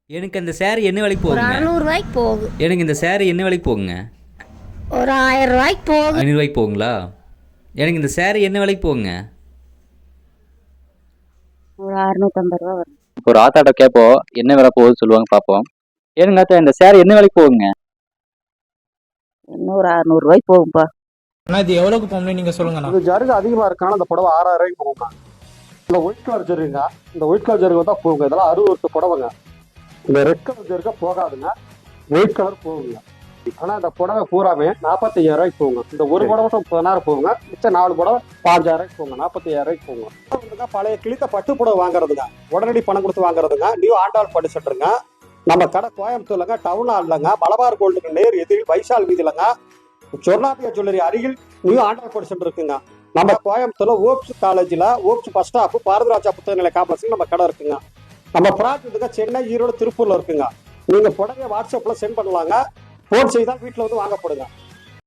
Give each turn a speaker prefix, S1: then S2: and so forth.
S1: எனக்கு அந்த சேரீ என்ன விலைக்கு
S2: ஒரு
S1: போகுங்க?
S2: 600 ரூபாய்க்கு போகும்.
S1: எனக்கு இந்த சேரீ என்ன விலைக்கு போகுங்க?
S2: ஒரு 1000 ரூபாய்க்கு போகும்.
S1: 500 ரூபாய்க்கு போகுங்களா? எனக்கு இந்த சேரீ என்ன விலைக்கு போகுங்க?
S3: ஒரு 650 ரூபா வரும். இப்போ ஒரு ஆத்தாட்ட கேட்போம் என்ன விலை போகுது சொல்லுவாங்க பார்ப்போம். ஏனுங்க ஆத்தா இந்த சேரீ என்ன விலைக்கு போகுங்க? இன்னும் ஒரு 600 ரூபாய்க்கு போகும்பா.
S4: அண்ணா இது எவ்வளவுக்கு போகும்னு நீங்க சொல்லுங்கண்ணா.
S5: இது ஜருகு அதிகமா இருக்கான அந்த புடவை 6000 ரூபாய்க்கு போகுங்க. இந்த ஒயிட் கலர் ஜருகுங்க, இந்த ஒயிட் கலர் ஜருகு தான் போகுங்க. இதெல்லாம் 60 வருஷ புடவைங்க. இந்த ரெட் கலர் ஜருகா போகாதுங்க, ஒயிட் கலர் போகுங்க. ஆனா இந்த புடவை பூராமே 45000 ரூபாய்க்கு போகுங்க. இந்த ஒரு புடவை 10,000 போகுங்க, மிச்சம் 4 புடவை 5000 ரூபாய்க்கு போகுங்க, 45000 ரூபாய்க்கு போகுங்க. பழைய கிழித்த பட்டு புடவை வாங்குறதுங்க, உடனடி பணம் கொடுத்து வாங்குறதுங்க. நியூ ஆண்டாள் பட்டு செட்டுருங்க. நம்ம கடை கோயம்புத்தூர்லங்க, டவுன் ஹால்லங்க, மலபார் கோல்டுக்கு நேர் எதிரில் வைசால் வீதியிலங்க, சொர்ணாபியா ஜுவல்லரி அருகில் நியூ ஆண்டாள் பட்டு சென்டர் இருக்குங்க. நம்ம கோயம்புத்தூர்ல ஓப்ஸ் காலேஜ்ல ஓப்ஸ் பஸ் ஸ்டாப் பாரதிராஜா புத்தக நிலை காம்ப்ளெக்ஸ்ல நம்ம கடை இருக்குங்க. நம்ம பிரான்ச் வந்துங்க சென்னை, ஈரோடு, திருப்பூர்ல இருக்குங்க. நீங்க புடவை வாட்ஸ்அப்ல சென்ட் பண்ணலாங்க. போன் செய்தால் வீட்டுல வந்து வாங்கப்படுங்க.